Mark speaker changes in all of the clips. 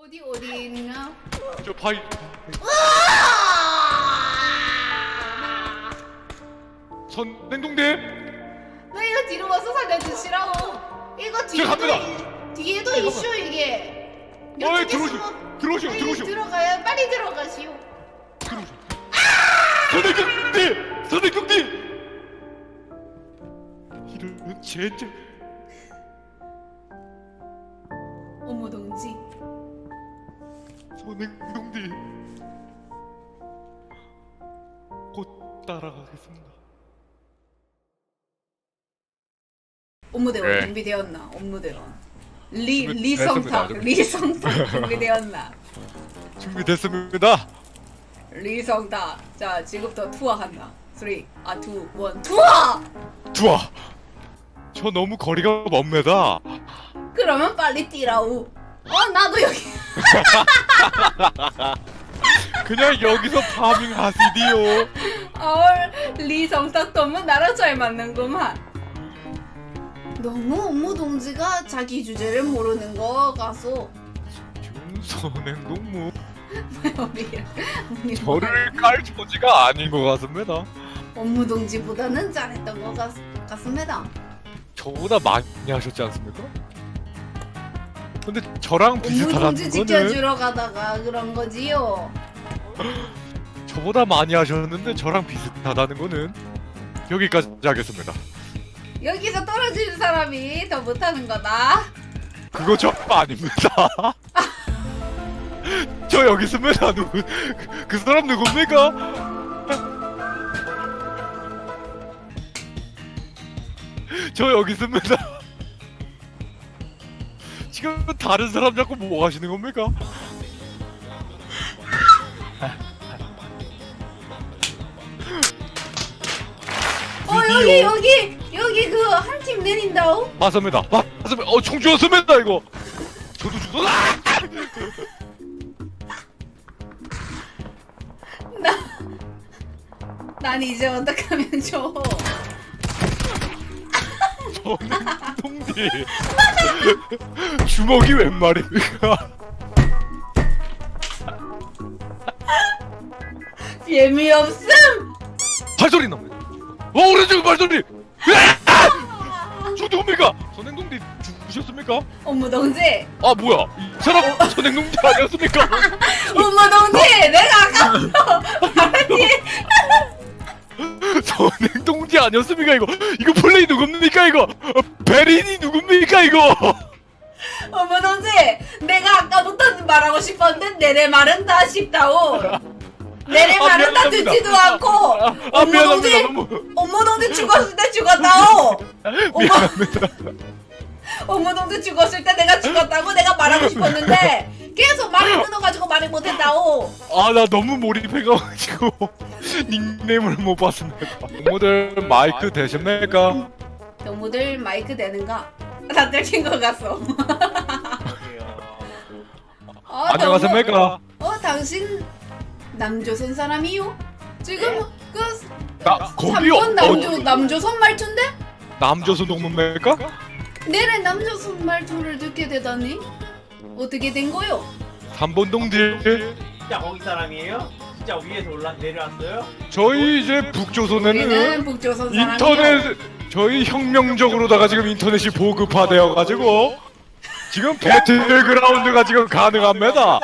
Speaker 1: 어디 있나?
Speaker 2: 저 바위. 선행동대.
Speaker 1: 나 이거 뒤로 와서 살려주시라고. 이거 뒤에도
Speaker 2: 잠깐만.
Speaker 1: 이슈 이게.
Speaker 2: 어이,
Speaker 1: 이쪽에
Speaker 2: 들어오시오.
Speaker 1: 빨리
Speaker 2: 들어오시오.
Speaker 1: 들어가야 빨리 들어가시오.
Speaker 2: 선행동대. 이런 젠장.
Speaker 1: 어머 동지.
Speaker 2: 선행동대. 곧 따라가겠습니다.
Speaker 1: 업무대원
Speaker 2: 네.
Speaker 1: 준비되었나? 업무대원.
Speaker 2: 준비됐습니다.
Speaker 1: 리성탁 준비되었나?
Speaker 2: 준비됐습니다.
Speaker 1: 리성탁. 자 지금부터 투어한다. 3, 2, 1, 투어!
Speaker 2: 좋아. 저 너무 거리가 멉니다.
Speaker 1: 그러면 빨리 뛰라우. 나도 여기.
Speaker 2: 그냥 여기서 파밍하시디요.
Speaker 1: 리성탁 너무 나랑 잘 맞는구만. 너무 업무 동지가 자기 주제를 모르는 거 가서
Speaker 2: 선행동무
Speaker 1: 우리
Speaker 2: 저를 깔 처지가 아닌 것 같습니다.
Speaker 1: 업무 동지보다는 잘했던 것 같습니다.
Speaker 2: 저보다 많이 하셨지 않습니까? 근데 저랑
Speaker 1: 업무
Speaker 2: 비슷하다는
Speaker 1: 동지
Speaker 2: 거는
Speaker 1: 지켜주러 가다가 그런 거지요.
Speaker 2: 저보다 많이 하셨는데 저랑 비슷하다는 거는 여기까지 하겠습니다.
Speaker 1: 여기서 떨어지는 사람이 더 못하는 거다.
Speaker 2: 그거 저 아닙니다. 저 여기 있습니다. 그 사람 누굽니까? 저 여기 있습니다. 지금 다른 사람 자꾸 뭐 하시는 겁니까?
Speaker 1: 여기 그 한 팀 내린다오.
Speaker 2: 맞습니다. 맞습니다. 총 주었습니다 이거. 저도 주소.
Speaker 1: 난 이제 어떡하면 좋아.
Speaker 2: 저는 동지. 주먹이 웬 말입니까?
Speaker 1: 재미없음.
Speaker 2: 발소리 납니다. 오른쪽 발소리. 저 누굽니까? 선행동지 죽으셨습니까?
Speaker 1: 업무 동지.
Speaker 2: 아 뭐야? 이 사람 선행동지 아니었습니까?
Speaker 1: 업무 동지. 내가 아까부터 말했지.
Speaker 2: 선행동지 아니었습니까 이거? 이거 플레이 누굽니까 이거? 베린이 누굽니까 이거?
Speaker 1: 어머 동지, 내가 아까부터 말하고 싶었는데 내내 말은 다 쉽다오. 내내 말은 다
Speaker 2: 미안합니다.
Speaker 1: 듣지도 않고. 어머
Speaker 2: 미안합니다.
Speaker 1: 동지,
Speaker 2: 너무
Speaker 1: 어머 동지 죽었을 때 죽었다오.
Speaker 2: 미안합니다.
Speaker 1: 어머 동지 죽었을 때 내가 죽었다고 내가 말하고 싶었는데 계속 말을 끊어가지고 말을 못했다오.
Speaker 2: 아 나 너무 몰입해가지고 닉네임을 못 봤습니다. 모델 마이크 되십니까?
Speaker 1: 너무들 마이크 되는가? 다 들킨 것 같소.
Speaker 2: 안녕하십니까?
Speaker 1: 당신 남조선 사람이요? 지금 그
Speaker 2: 거기요.
Speaker 1: 3번 남조선 말투인데?
Speaker 2: 남조선 동문입니까?
Speaker 1: 내래 남조선 말투를 듣게 되다니? 어떻게 된 거요?
Speaker 2: 3번 동지.
Speaker 3: 진짜 거기 사람이에요? 진짜 위에서 내려왔어요?
Speaker 2: 저희 이제
Speaker 1: 우리는
Speaker 2: 북조선에는
Speaker 1: 북조선 사람이요.
Speaker 2: 인터넷 저희 혁명적으로다가 지금 인터넷이 보급화되어가지고 지금 배틀그라운드가 지금 가능합니다.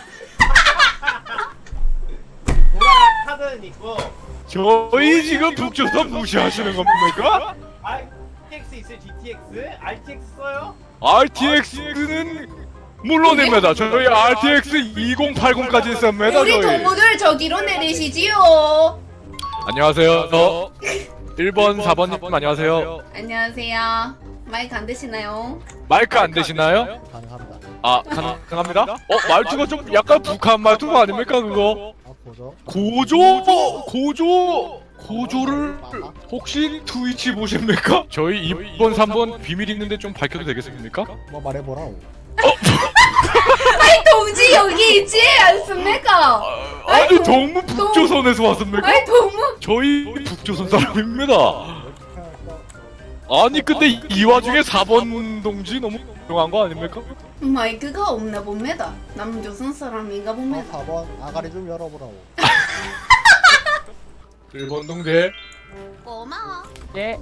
Speaker 3: 보라 카드는 있고
Speaker 2: 저희 지금 북조선 무시하시는 겁니까?
Speaker 3: RTX 있어요? GTX? RTX 써요?
Speaker 2: RTX는 물론입니다. 저희 RTX 2080까지 있습니다.
Speaker 1: 우리
Speaker 2: 저희.
Speaker 1: 동무들 저기로 내리시지요.
Speaker 2: 안녕하세요. 1번, 4번님 안녕하세요.
Speaker 1: 안녕하세요. 마이크 안 되시나요?
Speaker 2: 마이크 안 되시나요?
Speaker 4: 가능합니다.
Speaker 2: 아, 가능합니다? 말투가 좀 약간 북한 말투가 아닙니까 그거?
Speaker 4: 보죠.
Speaker 2: 고조를 혹시 트위치 보십니까? 저희 2번, 3번 비밀 있는데 좀 밝혀도 되겠습니까?
Speaker 4: 뭐 말해보라오.
Speaker 1: 아이 동지 여기 있지 않습니까?
Speaker 2: 아니 동무 북조선에서 왔습니까?
Speaker 1: 아이 동무
Speaker 2: 저희 북조선 사람입니다. 아니 근데 이 와중에 4번 동지 너무 훌륭한 거 아닙니까?
Speaker 1: 마이크가 없나 봅니다. 남조선 사람인가 봅니다.
Speaker 4: 4번 아가리 좀 열어보라고.
Speaker 2: 1번 동지
Speaker 1: 고마워.
Speaker 5: 예.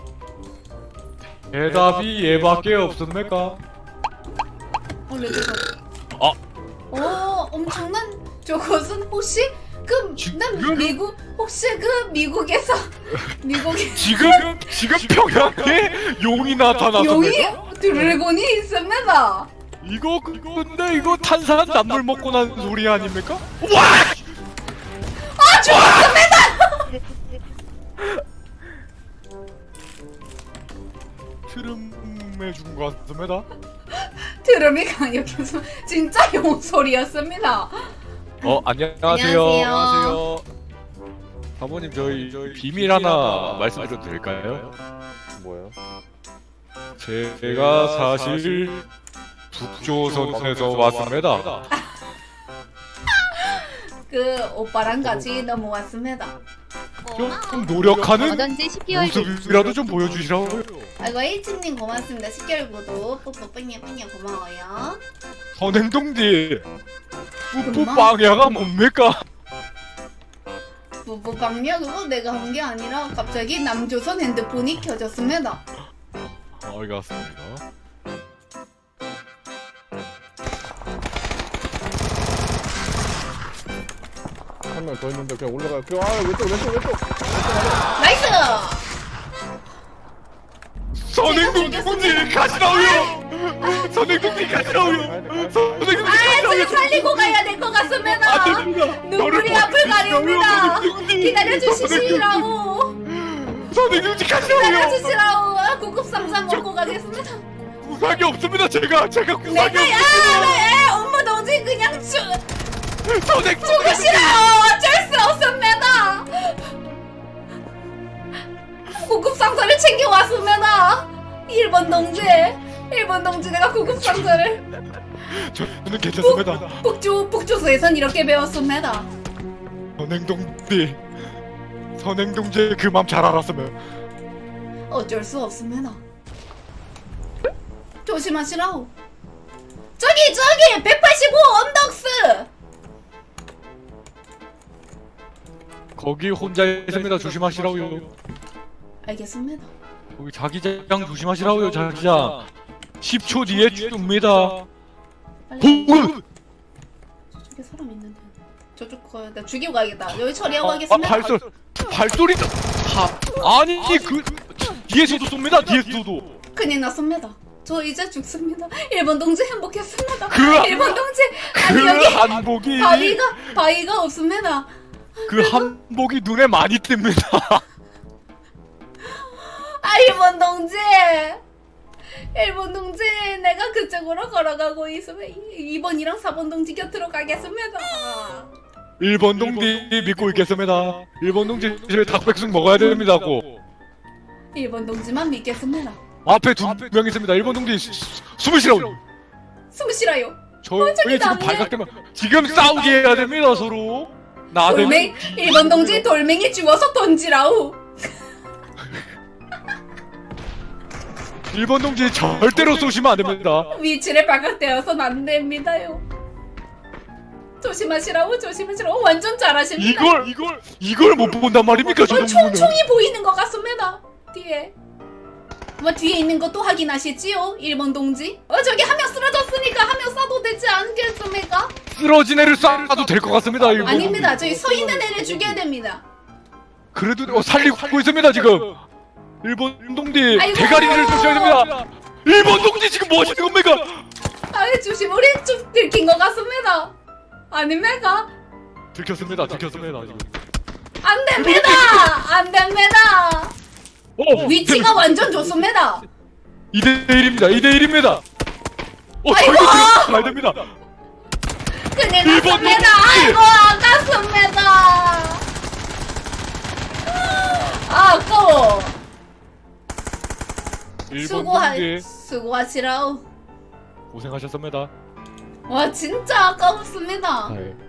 Speaker 2: 대답이 얘밖에 없습니까?
Speaker 1: 원래 제가
Speaker 2: 아.
Speaker 1: 엄청난 저것은 혹시 난
Speaker 2: 지금?
Speaker 1: 미국 혹시 미국에서
Speaker 2: 지금 평양에 용이 나타났습니다.
Speaker 1: 용이 드래곤이 있습니다.
Speaker 2: 이거 근데 이거 탄산 남물 먹고 난 소리 아닙니까? 와!
Speaker 1: 아 죽었습니다.
Speaker 2: 트름에 죽은 것 같습니다.
Speaker 1: 드럼이 강력해서 진짜 용 소리였습니다.
Speaker 2: 안녕하세요.
Speaker 1: 안녕하세요.
Speaker 2: 사모님 저희 비밀 하나 말씀드려도 될까요?
Speaker 4: 뭐예요?
Speaker 2: 제가 사실 북조선에서 왔습니다.
Speaker 1: 그 오빠랑 같이 넘어왔습니다.
Speaker 2: 좀 노력하는
Speaker 5: 어던지 10개월
Speaker 2: 모습이라도 좀 보여주시라고요.
Speaker 1: 아이고 일진님 고맙습니다. 10개월 구독 뽀뽀 뿌냐 고마워요.
Speaker 2: 선행동지 뿌뿌
Speaker 1: 엄마?
Speaker 2: 빵야가 뭡니까?
Speaker 1: 부부방요 그거 내가 한 게 아니라 갑자기 남조선 핸드폰이 켜졌습니다.
Speaker 2: 알겠습니다.
Speaker 4: 한 명 더 있는데 그냥 올라가요. 왼쪽.
Speaker 1: 나이스!
Speaker 2: 선행동지 가시라고요. 선행동지 가시라고요. 선행동지
Speaker 1: 아, 지금 살리고 가야 될 것 같습니다. 눈물이 앞을 가립니다. 기다려주시라고.
Speaker 2: 선행동지 가시라고요.
Speaker 1: 기다려주시라고. 구급상자 먹고 가겠습니다.
Speaker 2: 구상이 없습니다. 제가 구상이
Speaker 1: 내가
Speaker 2: 없습니다.
Speaker 1: 엄마 동지 그냥
Speaker 2: 선행동지
Speaker 1: 죽으시라고. 어쩔 수 없습니다. 구급상자를 챙겨왔습니다. 1번 동지 내가 구급상자를
Speaker 2: 저는 괜찮습니다.
Speaker 1: 북조소에선 이렇게 배웠습니다.
Speaker 2: 선행동지 그 맘 잘 알았으면
Speaker 1: 어쩔 수 없습니다. 조심하시라고. 저기 185 언덕스.
Speaker 2: 거기 혼자 있습니다. 조심하시라고요.
Speaker 1: 알겠습니다.
Speaker 2: 거기 자기장 조심하시라고요. 자기장 10초 뒤에 줍니다.
Speaker 1: 빨리.
Speaker 2: 오!
Speaker 1: 저쪽에 사람 있는데. 저쪽 거야. 나 죽이고 가야겠다. 여기 처리하고 가겠습니다.
Speaker 2: 발소리 아니 그 뒤에서도 쏩니다. 뒤에서도.
Speaker 1: 큰일 났습니다. 저 이제 죽습니다. 1번 동지 행복했습니다.
Speaker 2: 그
Speaker 1: 1번 동지 아니 여기
Speaker 2: 한복이
Speaker 1: 바위가 없습니다.
Speaker 2: 그 한복이 눈에 많이 띕니다.
Speaker 1: 1번 동지 1번 동지 내가 그쪽으로 걸어가고 있으면 2번이랑 4번 동지 곁으로 가겠습니다.
Speaker 2: 1번 동지 믿고 있겠습니다. 1번 동지 저희 닭백숙 먹어야 됩니다고.
Speaker 1: 1번 동지만 믿겠습니다.
Speaker 2: 앞에 두 명 있습니다. 1번 동지 숨으시라고.
Speaker 1: 숨 쉬라요.
Speaker 2: 저희
Speaker 1: 저기
Speaker 2: 지금
Speaker 1: 나무에.
Speaker 2: 발각되면 지금 싸우게 해야 됩니다 서로. 나대면
Speaker 1: 1번 동지 돌멩이 주워서 던지라우.
Speaker 2: 1번 동지 절대로 쏘시면 안 됩니다.
Speaker 1: 위치를 발각되어서는 안 됩니다요. 조심하시라고. 완전 잘하십니다.
Speaker 2: 이걸 못 본단 말입니까 저 정도는.
Speaker 1: 총이 보이는 것 같습니다. 뒤에. 뒤에 있는 것도 확인하시지요, 1번 동지? 저기 한 명 쓰러졌으니까 한 명 쏴도 되지 않겠습니까?
Speaker 2: 쓰러진 애를 쏴도 될 것 같습니다. 1번
Speaker 1: 아닙니다.
Speaker 2: 동지.
Speaker 1: 저기 서 있는 애를 죽여야 됩니다.
Speaker 2: 그래도 살리고 있습니다 지금. 1번 동지
Speaker 1: 아이고.
Speaker 2: 대가리를 쏘셔야 됩니다. 1번 동지 지금 뭐 하시는 겁니까?
Speaker 1: 조심. 우리 좀 들킨 것 같습니다. 아닙니까?
Speaker 2: 들켰습니다 지금.
Speaker 1: 안 됩니다. 안 됩니다. 위치가 완전 좋습니다.
Speaker 2: 2대1입니다. 2대1입니다.
Speaker 1: 아이고.
Speaker 2: 저희도 들어가야 됩니다.
Speaker 1: 큰일
Speaker 2: 일본
Speaker 1: 났습니다.
Speaker 2: 동지.
Speaker 1: 아이고 아깝습니다. 아까워.
Speaker 2: 1번 동지
Speaker 1: 수고하시라우.
Speaker 2: 고생하셨습니다.
Speaker 1: 와 진짜 아까웠습니다.
Speaker 2: 네.